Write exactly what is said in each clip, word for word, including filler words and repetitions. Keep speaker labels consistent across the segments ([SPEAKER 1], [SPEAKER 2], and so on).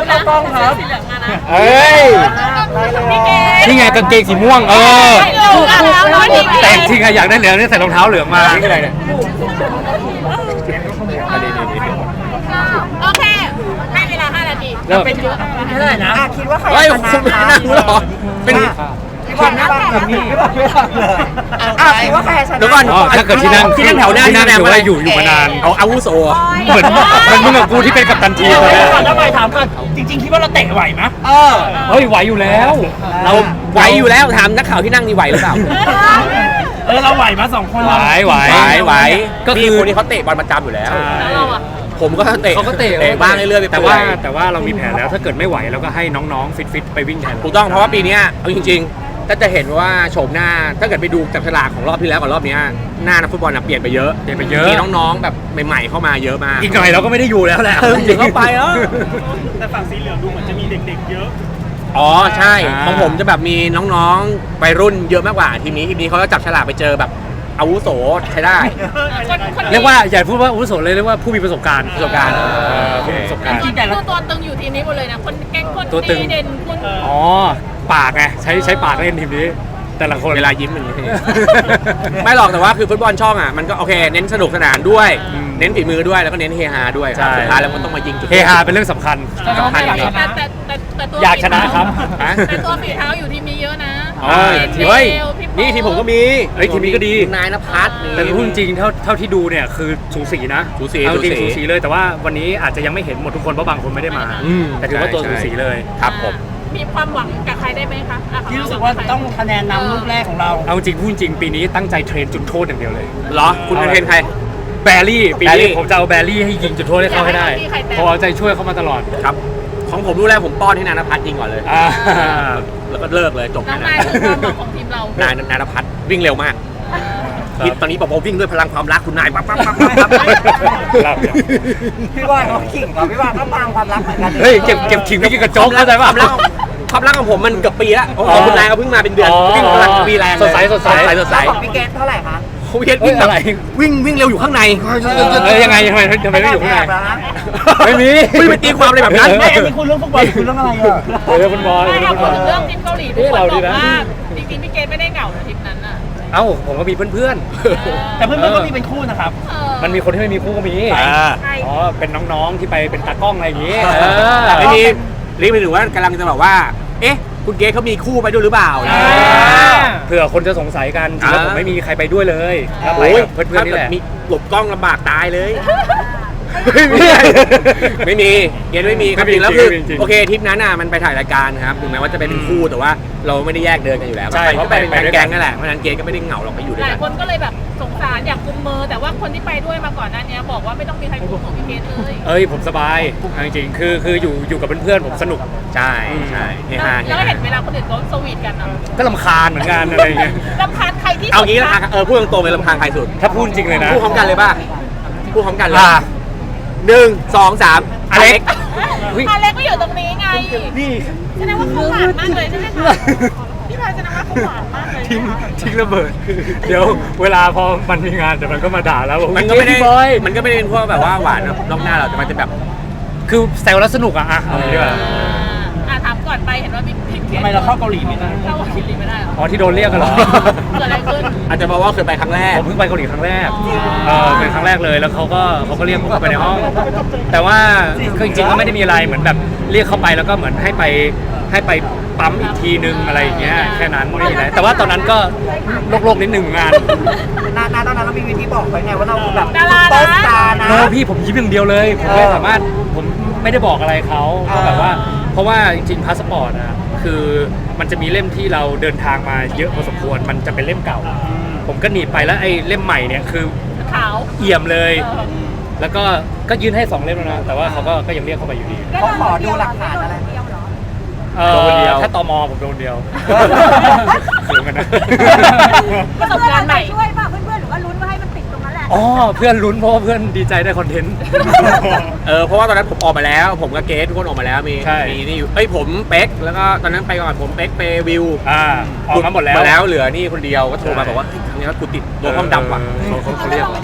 [SPEAKER 1] นะกล้องครับ
[SPEAKER 2] เอ้ยนี่ไงกางเกงสีม่วงเออแต่จริงอะอยากได้เหลืองนี่ใส่รองเท้าเหลืองมานี่อะไรเนี่ย
[SPEAKER 3] โอเคให้เวลาห้านาทีเป็นเยอะ
[SPEAKER 1] เท่าไหร่นะคิดว่าใครชนะ
[SPEAKER 2] คุณไม่นั่งหรอเป็น
[SPEAKER 1] คิดว่าแบบนี้ไม่บอกไม่บอกเลยอ่ะคิดว่าใครชนะ
[SPEAKER 2] เดี๋ยวก่อนถ้าเกิดที่นั่งที่นั่งแถวหน้าที่นั่งถือว่าอยู่อยู่มานานเอาอาวุโสเหมือนมันมึงกับกูที่เป็นกัปตันทีมเลย
[SPEAKER 1] แล้วไปถามก่อนจริงๆคิดว่าเราเตะไหวไหมเออ
[SPEAKER 2] เฮ้ยไหวอยู่แล้วเราไหวอยู่แล้วถามนักข่าวที่นั่งนี่ไหวหรือเปล่า
[SPEAKER 1] เออเราไหวมาสองคน
[SPEAKER 2] ไหวไหวไหว
[SPEAKER 4] ก็คือคนที่เขาเตะบอลประจำอยู่แล้วผมก็เตะ
[SPEAKER 2] เขาก็เตะ
[SPEAKER 4] บ้างเรื่อยๆ
[SPEAKER 2] แต่ว่าแต่ว่าเรามีแผนแล้วถ้าเกิดไม่ไหวเราก็ให้น้องๆฟิตๆไปวิ่งแทน
[SPEAKER 4] ถูกต้องเพราะว่าปีนี้เอาจริงๆถ้าจะเห็นว่าโฉมหน้าถ้าเกิดไปดูจับฉลากของรอบที่แล้วกับรอบนี้หน้านักฟุตบอลเปลี่ยนไปเยอะ
[SPEAKER 2] เปลี่ยนไปเยอะ
[SPEAKER 4] มีน้องๆแบบใหม่ๆเข้ามาเยอะมาก
[SPEAKER 2] อีกหน่อยเราก็ไม่ได้อยู่แล้วแหละ
[SPEAKER 4] ถึงเข้าไปแล้ว
[SPEAKER 1] แต่ฝั่งสีเหลืองดูเหมือนจะมีเด็กๆเยอะ
[SPEAKER 4] อ๋อใช่ของผมจะแบบมีน้องๆวัยรุ่นเยอะมากกว่าทีมนี้ทีมนี้เขาจะจับฉลากไปเจอแบบอาวุโสใช้ได้
[SPEAKER 2] เรียกว่าอย่าพูดว่าอาวุโสเลยเรียกว่าผู้มีประสบการณ์
[SPEAKER 4] ประสบการณ์
[SPEAKER 2] ประสบการณ์
[SPEAKER 3] จริงๆแต่ตัวตึงอยู่ทีมนี้หมดเลยนะคนแก๊งคนดีเด่นคน
[SPEAKER 2] อ๋อปากไงใช้ใช้ปากเล่นทีมนี้แต่ละคน
[SPEAKER 4] เวลายิ้มอย่างนี้ไม่หรอกแต่ว่าคือฟุตบอลช่องอ่ะมันก็โอเคเน้นสนุกสนานด้วยเน้นฝีมือด้วยแล้วก็เน้นเฮฮาด้วยสุดท้ายแล้วมันต้องมายิงจุด
[SPEAKER 2] เฮฮาเป็นเรื่องสำคัญ
[SPEAKER 3] สำคัญแต่แต่แต่ตัว
[SPEAKER 2] อยากชนะครับ
[SPEAKER 3] แต่ตัวฝีเท้าอยู่ทีมนี้เยอะนะ
[SPEAKER 4] เฮ้ยนี่ทีมผมก็มี
[SPEAKER 2] เฮ้ยทีมนี้ก็ดี
[SPEAKER 4] นายณภัส
[SPEAKER 2] แต่พูดจริงเท่าเท่าที่ดูเนี่ยคือสูสีนะ
[SPEAKER 4] สูสี
[SPEAKER 2] จริงสูสีเลยแต่ว่าวันนี้อาจจะยังไม่เห็นหมดทุกคนเพราะบางคนไม่ได้มาแต่ถือว่าตัวสูสีเลย
[SPEAKER 4] ครับผม
[SPEAKER 3] มีความหวังกับใครได้ไหมคะ
[SPEAKER 1] ที่รู้สึกว่าต้องคะแนนนำลูกแรกของเรา
[SPEAKER 2] เอาจริงพูดจริงปีนี้ตั้งใจเทรนจุดโทษอย่างเดียวเลย
[SPEAKER 4] เหรอคุณเทรนใคร
[SPEAKER 2] แบรี่ปีนี้ผมจะเอาแบรี่ให้ยิงจุดโทษให้เขาให้ได้พอเอาใจช่วยเขามาตลอด
[SPEAKER 4] ครับของผมรู้แล้วผมป้อนให้นายณภัสยิงก่อนเลยแล้วก็เลิกเลยจบ
[SPEAKER 3] นายคือความหวังของทีมเรา
[SPEAKER 4] นายนายณภัสวิ่งเร็วมากตอนนี้บอกว่าวิ่งด้วยพลังความรักคุณนายปั๊บปั๊บปั๊บปั๊บ
[SPEAKER 1] พี่ว่าเขาขิงเหรอพี่ว่าเขาปางความรักเหมือนกัน
[SPEAKER 2] เฮ้ยเก็บเก็บขิงไม่กินกระจกเข้าใจป่ะ
[SPEAKER 4] ความรักของผมมันเกือบปีแล้วของคุณนายเขาเพิ่งมาเป็นเดือนวิ่งพลังปีแรง
[SPEAKER 2] สดใสสดใส
[SPEAKER 4] สดใส
[SPEAKER 1] ของพี่เกตเท่าไหร่คะ
[SPEAKER 4] พี่เกตวิ่งอะไรวิ่งวิ่งเร็วอยู่ข้างใน
[SPEAKER 2] ยังไงทำไมทำไมไม่อยู่ข้างในไม่มี
[SPEAKER 4] ไม่ไปตีความอะไรแบบนั้น
[SPEAKER 1] ไม่อันนี้คุณเรื่องฟุตบอลคุณเรื่องอะไรอ่ะ
[SPEAKER 2] เรื่องฟุตบอล
[SPEAKER 3] ไม่เอาพูดถึงเรื่องทีมเกาหลีทุกคนบอกว่าจริงๆพี่เกตไม่ได้เหงาในทีมนั้นน่ะ
[SPEAKER 2] เอ้าผมก็มีเพื่อน
[SPEAKER 1] ๆแต่เพื่อนๆก็มีเป็นคู่นะครับ
[SPEAKER 2] มันมีคนที่ไม่มีคู่ก็มีอ๋อเป็นน้องๆที่ไปเป็นตากล้องอะไรอย่างงี้
[SPEAKER 4] ไม่มีรีบไปถึงว่ากำลังจะบอกว่าเอ๊ะคุณเกตเขามีคู่ไปด้วยหรือเปล่า
[SPEAKER 2] เผื่อคนจะสงสัยกันจริงๆผมไม่มีใครไปด้วยเลยครับไปเพื่อนๆนี่แหละ
[SPEAKER 4] มีหลบกล้องลำบากตายเลยไม่มีไม่มีเกตไม่มีครับจริงแล้วคือโอเคทริปนั้นน่ะมันไปถ่ายรายการครับถึงแม้ว่าจะเป็นคู่แต่ว่าเราไม่ได้แยกเดินกันอยู่แล้ว
[SPEAKER 2] ใช่
[SPEAKER 4] เพราะไปเป็นแก๊งนั่นแหละเพราะนั้นเกตก็ไม่ได้เหงาหรอกไปอยู่ด้วย
[SPEAKER 3] กันหลายคนก็เลยแบบสงสารอยากกุมมือแต่ว่าคนที่ไปด้วยมาก่อนหน้านี้บอกว่าไม่ต้องมีใครกุมของพี่เกตเลย
[SPEAKER 2] เอ้ยผมสบายจริงๆคือคืออยู่อยู่กับเพื่อนๆผมสนุก
[SPEAKER 4] ใช่ใช่
[SPEAKER 3] แล้วเห็นเวลาคนอื่นเขาสวีทกันอ่ะ
[SPEAKER 2] ก็รำคาญเหมือนกันอะไรเงี้ย
[SPEAKER 3] รำคาญใครที่
[SPEAKER 4] เอางี้ละเออพูดตรงๆเลยรำคาญใครสุด
[SPEAKER 2] ถ้าพูดจริงเลยนะ
[SPEAKER 4] พูดพร้อมกันเลยป่ะพูดพร้อมกันเลยหนึ่งสองสามอเล็ก
[SPEAKER 3] อเล็กก็อยู่ตรงนี้ไงนี่แสดงว่าเขาหวานมากเลยใช่ไหมคะพี่พายแสดงว่าเขาหวานมากเลย
[SPEAKER 2] ทิ้งทิ้งระเบิดเดี๋ยวเวลาพอมันมีงานเดี๋ยวมันก็มาด่าแล้ว
[SPEAKER 4] มันก็ไม่ได้มันก็ไม่ได้เป็นพวกแบบว่าหวานนอกหน้าเราแต่มันจะแบบ
[SPEAKER 2] คือแซวแล้วสนุกอะอ่ะเอาดีกว่า
[SPEAKER 3] อ่ะถามก่อนไปเห็นว่าพี่
[SPEAKER 1] ทำไมเราเข้าเกาหลีไม่ได้
[SPEAKER 3] เข้าเกาหลีไม่ได้
[SPEAKER 2] อ๋อที่โดนเรียกกันเหรอ
[SPEAKER 3] เกิดอะไรขึ้น
[SPEAKER 4] อาจจะบอกว่าเคยไปครั้งแรก
[SPEAKER 2] ผมเพิ่งไปเกาหลีครั้งแรกเออเป็นครั้งแรกเลยแล้วเขาก็เขาก็เรียกผมไปในห้องแต่ว่าจริงๆก็ไม่ได้มีอะไรเหมือนแบบเรียกเข้าไปแล้วก็เหมือนให้ไปให้ไปปั๊มอีกทีนึงอะไรอย่างเงี้ยแค่นั้นไม่มีอะไรแต่ว่าตอนนั้นก็โลกๆนิดนึงงาน
[SPEAKER 1] นานๆตอนนั้นเรามีวิธีบอกไปไงว่าเราแบบโต๊ะตานะ
[SPEAKER 2] โน้พี่ผมยิ้มอย่างเดียวเลยผมไม่สามารถผมไม่ได้บอกอะไรเขาก็แบบว่าเพราะว่าจริงๆพาสปอร์ตอะคือมันจะมีเล่มที่เราเดินทางมาเยอะพอสมควรมันจะเป็นเล่มเก่าผมก็หนีบไปแล้วไอ้เล่มใหม่เนี่ยคือ
[SPEAKER 3] ขาว
[SPEAKER 2] เอี่ยมเลยแล้วก็ก็ยื่นให้สองเล่มแล้วนะแต่ว่าเขาก็ก็ยังเรียกเข้าไปอยู่ดี
[SPEAKER 1] เขาขอดูหลักฐานอะไร
[SPEAKER 2] เออถ้าตมผมโดนเดียวเสียงกันนะ
[SPEAKER 3] ประสบการณ์ใหม่
[SPEAKER 5] ช่วยป่ะเพื่อนๆหรือว่าลุ้นว่าให้มันติดตรงนั้นแหละ
[SPEAKER 2] อ๋อเพื่อนลุ้นเพราะเพื่อนดีใจได้คอนเทนต์
[SPEAKER 4] เออเพราะว่าตอนนั้นผมออกมาแล้วผมกับเกสทุกคนออกมาแล้วมีมีนี่อยู่เอ้ยผมเป๊กแล้วก็ตอนนั้นไปก่อนผมเป๊กเปวิว
[SPEAKER 2] อ่าออกมาหมดแล้ว
[SPEAKER 4] มาแล้วเหลือนี่คนเดียวก็โทรมาบอกว่าครั้งนี้กูติดตัวห้องดำว่ะ
[SPEAKER 5] เขาเรียกไม่ได้ยืนร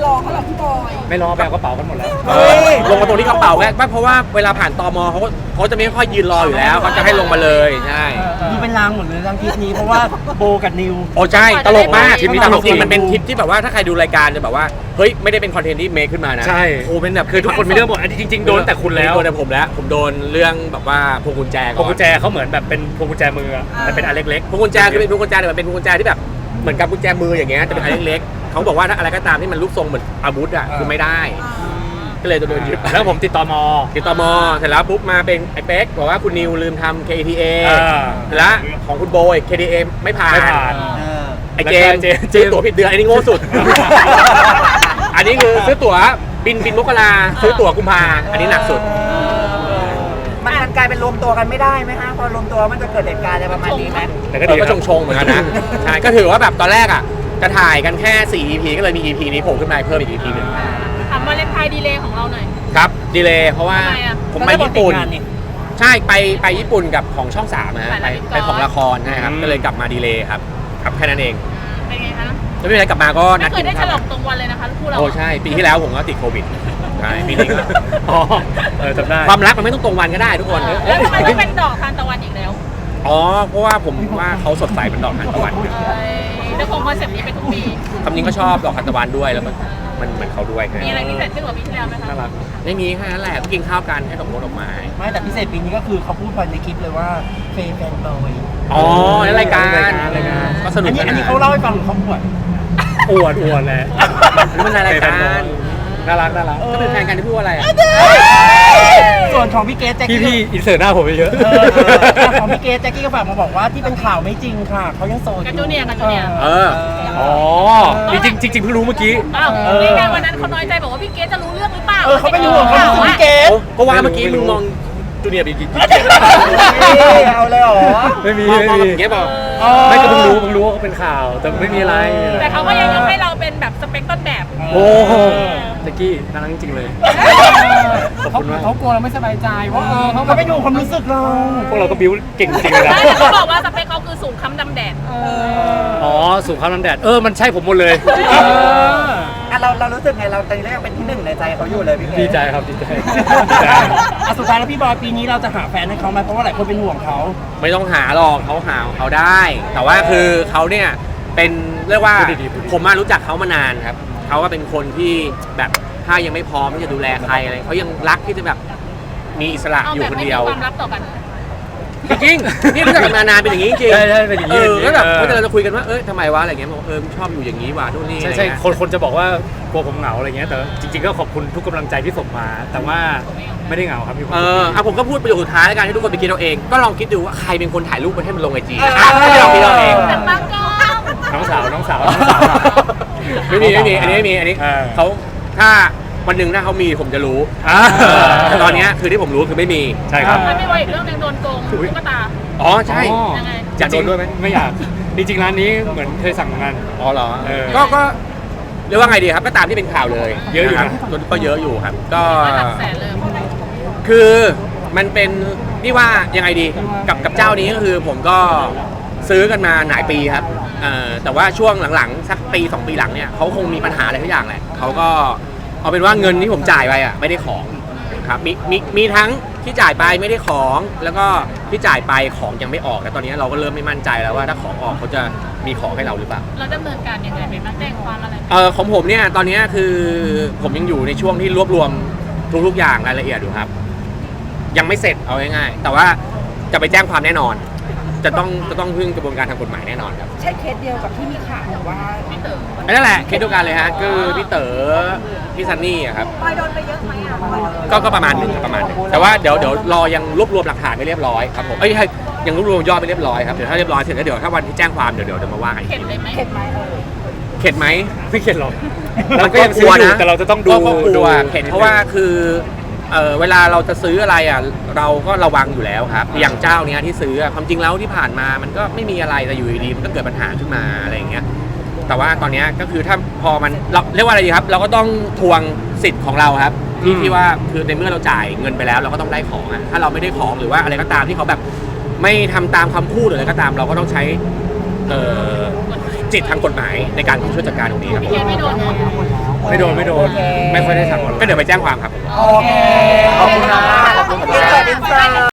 [SPEAKER 3] รอเขาหรอพี่บอย
[SPEAKER 2] ไม่รอแบบกระเป๋ากันหมดแล้ว
[SPEAKER 4] เออลงมาตรงที่กระเป๋าแค่เพราะว่าเวลาผ่านตมเขาก็เขาจะไม่ค่อยยืนรออยู่แล้วเขาจะให้ลงมาเลยใช่
[SPEAKER 1] ดูเป็นรางหมดเลยรางทริปนี้เพราะว่าโบกับนิว
[SPEAKER 4] โอ้ใช่ตลกมาก
[SPEAKER 2] ทริปนี้
[SPEAKER 4] ต
[SPEAKER 2] ต
[SPEAKER 4] ล
[SPEAKER 2] ล
[SPEAKER 4] ก
[SPEAKER 2] ก
[SPEAKER 4] จริงมันเป็นทริปที่แบบว่าถ้าใครดูรายการจะแบบว่าเฮ้ยไม่ได้เป็นคอนเทนต์ที่เมคขึ้นมานะ
[SPEAKER 2] ใช่
[SPEAKER 4] โอ้เป็นแบบ
[SPEAKER 2] คือทุกคนมีเรื่องหมดอันนี้จริง ๆ โดนแต่คุณแล้ว
[SPEAKER 4] โดนแต่ผมแล้วผมโดนเรื่องแบบว่าพวงกุญแจ
[SPEAKER 2] พ
[SPEAKER 4] ก่
[SPEAKER 2] วง
[SPEAKER 4] อ
[SPEAKER 2] กุ
[SPEAKER 4] น
[SPEAKER 2] ญแจเขาเหมือนแบบเป็นพวงกุญแจมืออะแต่เป็นอันเล็กๆ
[SPEAKER 4] พวงกุญแจคือเป็นพวงกุญแจแต่มันเป็นพวงกุญแจที่แบบเหมือนกับกุญแจมืออย่างเงี้ยแต่เป็นอันเล็กๆเขาบอกว่าถ้าอะไรก็ตามที่มันรูปทรงเหมือนอาวุธอ่ะคือไม่ได้ก็เลยจะโดนยึด
[SPEAKER 2] แล้วผมติดต่อมอ
[SPEAKER 4] ติดต่อมอเสร็จแล้วปุ๊บมาเป็นไอ้เป๊กบอกว่าคุณนิวลืมทำ เค ที เอ
[SPEAKER 2] อ่า
[SPEAKER 4] และของคุณโบย เค ที เอ ไม่ผ่าน
[SPEAKER 2] ไม่ผ่าน
[SPEAKER 4] ไอ้เจมส์
[SPEAKER 2] แล้วก็เจมส์
[SPEAKER 4] ซื้อตั๋วผิดเดือนอันนี้โง่สุด อันนี้คือซื้อตั๋วบินบินมกราซื้อตั๋วกุมภาอันนี้หนักสุด
[SPEAKER 1] มันมันกลายเป็นรวมตัวกันไม่ได้ไหมฮะพอรวมตัวมันจะเกิดเหตุการณ์อะไรประมาณนี้ไหม
[SPEAKER 2] แต่ก็
[SPEAKER 4] เอ
[SPEAKER 2] ดี
[SPEAKER 4] อก็
[SPEAKER 2] ครับ
[SPEAKER 4] ชงๆเหมือนกันนะ ใช่ ก็ถือว่าแบบตอนแรกอ่ะจะถ่ายกันแค่สี่ อี พี ก็เลยมี อี พี นี้โผล่ขึ้นมาเพิ่มอีก อี พี หนึ่ง
[SPEAKER 3] ถามวาเลนไทน์ดีเลย์ของเราหน่อย
[SPEAKER 4] ครับดีเลยเพราะว่า
[SPEAKER 3] ทำไมอะ
[SPEAKER 4] ผมไปญี่ปุ่น
[SPEAKER 1] ก็ได้บอกติดงานนี่
[SPEAKER 4] ใช่ไปไปญี่ปุ่นกับของช่องสามนะฮะ
[SPEAKER 3] ไป
[SPEAKER 4] ไป
[SPEAKER 3] ละคร
[SPEAKER 4] ไปของละครนะครับก็เลยกลับมาดีเลยครับครับแค่นั้นเอง
[SPEAKER 3] เป็นไงคะ
[SPEAKER 4] แล้วไม่เป็นไรกลับมาก็นั
[SPEAKER 3] ไม่
[SPEAKER 4] ด
[SPEAKER 3] เค
[SPEAKER 4] กิ
[SPEAKER 3] ย
[SPEAKER 4] น
[SPEAKER 3] ได้ฉ
[SPEAKER 4] ข้าว
[SPEAKER 3] ลองตรงวันเลยนะคะคู่เรา
[SPEAKER 4] โอ้ใช่ ปีที่แล้วผมก็ติดโควิดใช่ปีนี้ก็
[SPEAKER 2] อ๋อเออจำได้
[SPEAKER 4] ความรักมันไม่ต้องตรงวันก็ได้ทุกคน
[SPEAKER 3] แล้วทำไมต้องเป็นดอกทานตะวันอีกแล้ว
[SPEAKER 4] อ๋อเพราะว่าผมว่าเขาสดใสเป็นดอกทานตะวัน
[SPEAKER 3] เอ้ยจะคงคอนเซ็ปต์นี้เป็นทุกปี
[SPEAKER 4] คำนี้ก็ชอบดอกทานตะวันด้วยแล้วมันมันเหมือนเขาด้วย
[SPEAKER 3] มีอะไรพิเศษขึ้นกว่าปีที่แล้วไหมคะ
[SPEAKER 2] น่ารัก
[SPEAKER 4] ไม่มีแค่นั้นแหละก็กินข้าวกันให้ดอกมงดอกไม้
[SPEAKER 1] ไม่แต่พิเศษปีนี้ก็คือเขาพูดไปในคลิปเลยว่าเฟย์แฟนบอย
[SPEAKER 4] อ๋อในรายการ
[SPEAKER 2] รายการ
[SPEAKER 4] ก็สนุ
[SPEAKER 1] อั
[SPEAKER 4] ก
[SPEAKER 1] นนี้
[SPEAKER 4] กั
[SPEAKER 1] อันนี้เขาเล่าให้ฟังหรือเขาพูด
[SPEAKER 2] อวดอวดแหละ
[SPEAKER 4] นี่มันในรายการ
[SPEAKER 2] น่ารักน่ารัก
[SPEAKER 4] ก็เป็นแฟนกันที่พูดว่าอะไรอ่ะ
[SPEAKER 1] ส่วนของพี่เกสแจ็ค
[SPEAKER 2] พี่
[SPEAKER 1] กี้
[SPEAKER 2] พี่อินเสิร์ตหน้าผมไปเยอะ
[SPEAKER 1] เออเออของพี่เกสแจ็คกี้ก็ฝากมาบอกว่าที่เป็นข่าวไม่จริงค่ะเขายังโสดอ
[SPEAKER 3] กับ
[SPEAKER 1] ยู่
[SPEAKER 3] จูเนียร์กับจูเนียร์
[SPEAKER 4] เออ
[SPEAKER 2] อ๋อจริงจริงจริงเพิ่งรู้เมื่อกี้
[SPEAKER 3] อ้าวนี่ไงวันนั้นเขาน้อยใจบอกว่าพี่เกสจะรู้เรื่องหรือเปล่า
[SPEAKER 1] เออเขาเป็นห่วงเขาเป็นห่วงพี่เกส
[SPEAKER 4] ก็ว่าเมื่อกี้มึงมองจูเนียร์ไปกี่
[SPEAKER 1] เอาเลยเหรอ
[SPEAKER 2] ไม่มี
[SPEAKER 4] มอง
[SPEAKER 2] ไม่
[SPEAKER 4] มอง
[SPEAKER 2] มี
[SPEAKER 4] อย่างเงี้ยเปล่า
[SPEAKER 2] ไม่ก็เพิ่งรู้เพิ่งรู้ว่าเขาเป็นข่าว แต่ไม่มีอะไร
[SPEAKER 3] แต่เขาก็ยังยกให้เราเป็นแบบสเปคต้นแบบ
[SPEAKER 2] โอ้โหตะกี้น่ารักจริงๆเลย ขอบ
[SPEAKER 1] เขา
[SPEAKER 2] คุณมาก
[SPEAKER 1] เขากลัวเราไม่สบายใจว่าเออเขาก็เป็นห่วงความรู้สึกเรา
[SPEAKER 2] พวกเราก็บิ้วเก่งจริงเลยนะ
[SPEAKER 3] ไม่แต่เขาบอกว่าสเปคเขาคือสูงค้ำดำแดด
[SPEAKER 2] อ๋อสูงข้าวน้ำแดด เออ มันใช่ผมหมดเลย
[SPEAKER 1] อ่ะเราเรารู้สึกไงเราตอนนี้ยังเป็นที่หนึ่งในใจเขาอยู่เลยพี่เกส
[SPEAKER 2] ดีใจครับ ดีใจ
[SPEAKER 1] อ่ะสุดท้ายแล้วพี่บอยปีนี้เราจะหาแฟนให้เขาไหมเพราะว่าหลายคนเป็นห่วงเขา
[SPEAKER 4] ไม่ต้องหาหรอกเขาหาเขาได้ แต่ว่าคือเขาเนี่ยเป็นเรียกว่า
[SPEAKER 2] พูดดีๆพูดดีๆ
[SPEAKER 4] ผมมารู้จักเขามานานครับเขาก็เป็นคนที่แบบถ้ายังไม่พร้อมที่จะดูแลใครอะไรเขายังรักที่จะแบบมีอิสระ
[SPEAKER 3] เอา
[SPEAKER 4] อยู่
[SPEAKER 3] แบบ
[SPEAKER 4] คน
[SPEAKER 3] ไม่มี
[SPEAKER 4] เดียว
[SPEAKER 3] ความลับต่อกัน
[SPEAKER 4] จริงๆนี่รู้จักกันมานานเป็นอย่างนี้จริงๆ
[SPEAKER 2] ใช่ใช่เป็นอย่างนี้
[SPEAKER 4] เออแล้วแบบ
[SPEAKER 2] เออ
[SPEAKER 4] เมื่อเราจะคุยกันว่าเอ้ยทำไมวะอะไรเงี้ยบอกเออชอบอยู่อย่างนี้ว่ะนู่นนี่
[SPEAKER 2] ใช่
[SPEAKER 4] อะไร
[SPEAKER 2] ใช่
[SPEAKER 4] เงี้ย
[SPEAKER 2] คนคนจะบอกว่ากลัวผมเหงาอะไรเงี้ย แต่จริงๆ ก็ขอบคุณทุกกำลังใจที่ส่งมา แต่ว่าไม่ได้เหงาครับมีความ
[SPEAKER 4] เอ
[SPEAKER 2] สุข
[SPEAKER 4] อ
[SPEAKER 2] ดี
[SPEAKER 4] อ่ะผมก็พูดประโยคสุดท้ายแล้วกันให้ทุกคนไปคิดเอาเอง ก็ลองคิดดูว่าใครเป็นคนถ่ายรูปมาให้มันลงไอจีอ่ะให้ลองคิดเอาเอง
[SPEAKER 3] แต่บางก็
[SPEAKER 2] น้องสาว น้องสาว น้องสาว
[SPEAKER 4] ไม่มีไม่มีอันนี้ไม่มีอันนี้
[SPEAKER 2] เออ
[SPEAKER 4] เขาถ้าวันหนึ่งถ้าเขามีผมจะรู้
[SPEAKER 2] อ่า
[SPEAKER 4] แต่ตอนเนี้ยคือที่ผมรู้คือไม่มี
[SPEAKER 2] ใช่ครับ
[SPEAKER 3] มันไม่ไวอีกเรื่องหนึงโดนโกงตุ๊กตา
[SPEAKER 4] อ๋อใช่
[SPEAKER 2] อ๋อ
[SPEAKER 3] ยังไง
[SPEAKER 4] อยากโดนด้วยไหม
[SPEAKER 2] ไม่อยาก จริงๆ ร้านนี้เหมือนเคยสั่งงาน
[SPEAKER 4] อ๋อเหรอ
[SPEAKER 2] เออ
[SPEAKER 4] ก็ก็เรียกว่าไงดีครับก็ตามที่เป็นข่าวเลย
[SPEAKER 2] เยอะอยู่นะ
[SPEAKER 4] ครับก็เยอะอยู่ครับ ก็
[SPEAKER 3] หลักแสนเลย
[SPEAKER 4] คือมันเป็นนี่ว่ายังไงดีกับกับเจ้านี้ก็คือผมก็ซื้อกันมาหลายปีครับเอ่อแต่ว่าช่วงหลังๆสักปีสองปีหลังเนี่ยเขาคงมีปัญหาอะไรทุกอย่างแหละเขาก็เอาเป็นว่าเงินที่ผมจ่ายไปอ่ะไม่ได้ของครับมีมีมีทั้งที่จ่ายไปไม่ได้ของแล้วก็ที่จ่ายไปของยังไม่ออกแต่ตอนนี้เราก็เริ่มไม่มั่นใจแล้วว่าถ้าของออกเขาจะมีของให้เราหรือเปล่า
[SPEAKER 3] เราดำเนินการยังไงไปบ้างแจ้งความอะไร
[SPEAKER 4] เออของผมเนี่ยตอนนี้คือผมยังอยู่ในช่วงที่รวบรวมทุกๆอย่างรายละเอียดอยู่ครับ ยังไม่เสร็จเอาง่ายๆแต่ว่าจะไปแจ้งความแน่นอน จะต้องจะต้องพึ่งกระบวนการทางกฎหมายแน่นอนครับ
[SPEAKER 5] ใช่เคสเดียวกับที่มีข่าวว่า
[SPEAKER 3] พี่เต๋อ
[SPEAKER 4] อันนั่นแหละเคสเดียวกันเลยฮะคือพี่เต๋อพี่ซันนี่อะครับ
[SPEAKER 5] บอยโดนไปเยอะไหมอ่ะบอยโดน
[SPEAKER 4] ก็ก็ประมาณหนึ่งครับประมาณหนึ่งแต่ว่าเดี๋ยวเดี๋ยวรอยังรวบรวมหลักฐานไม่เรียบร้อยครับผมเอ้ยให้ยังรวบรวมยอดไม่เรียบร้อยครับเดี๋ยวถ้าเรียบร้อยเสร็จแล้วเดี๋ยวถ้าวันที่แจ้งความเดี๋ยวเดี๋ยวจะมาว่ากันอีก
[SPEAKER 3] เข็ดเลยไหม
[SPEAKER 5] เข็ดไหมเออ
[SPEAKER 4] เข็ดไหม
[SPEAKER 2] ไม่เข็ดหรอก
[SPEAKER 4] มั
[SPEAKER 2] เรา
[SPEAKER 4] น
[SPEAKER 2] ก็ยังซื้ออยู่แต่เราจะต้องดู
[SPEAKER 4] ก็กลัว
[SPEAKER 2] ดู
[SPEAKER 4] เข็ดเพราะว่าคือเออเวลาเราจะซื้ออะไรอ่ะเราก็ระวังอยู่แล้วครับอย่างเจ้าเนี้ยที่ซื้ออะความจริงแล้วที่ผ่านมามันก็ไม่มีอะไรแต่อยู่ดีๆมันก็เกิดปัญหาขึ้นมาอะไรอย่างเงี้ยแต่ว่าตอนเนี้ยก็คือถ้าพอมันเราเรียกว่าอะไรดีครับ เราก็ต้องทวงสิทธิ์ของเราครับที่ที่ว่าคือในเมื่อเราจ่ายเงินไปแล้วเราก็ต้องได้ของอ่ะถ้าเราไม่ได้ของหรือว่าอะไรก็ตามที่เขาแบบไม่ทำตามคำพูดหรืออะไรก็ตาม เราก็ต้องใช้เออจสิทธิ์ทางกฎหมายในการช่วยจัดการตรงนี้ครับ
[SPEAKER 3] พี่เกดไม่โดนนะ
[SPEAKER 2] ไม่โดนไม่โดน ไม่ค่อยได้สั่งออนไลน์
[SPEAKER 4] ก็เดี๋ยวไปแจ้งความครับ
[SPEAKER 1] โอเคขอบคุณมากขอบคุณค่ะ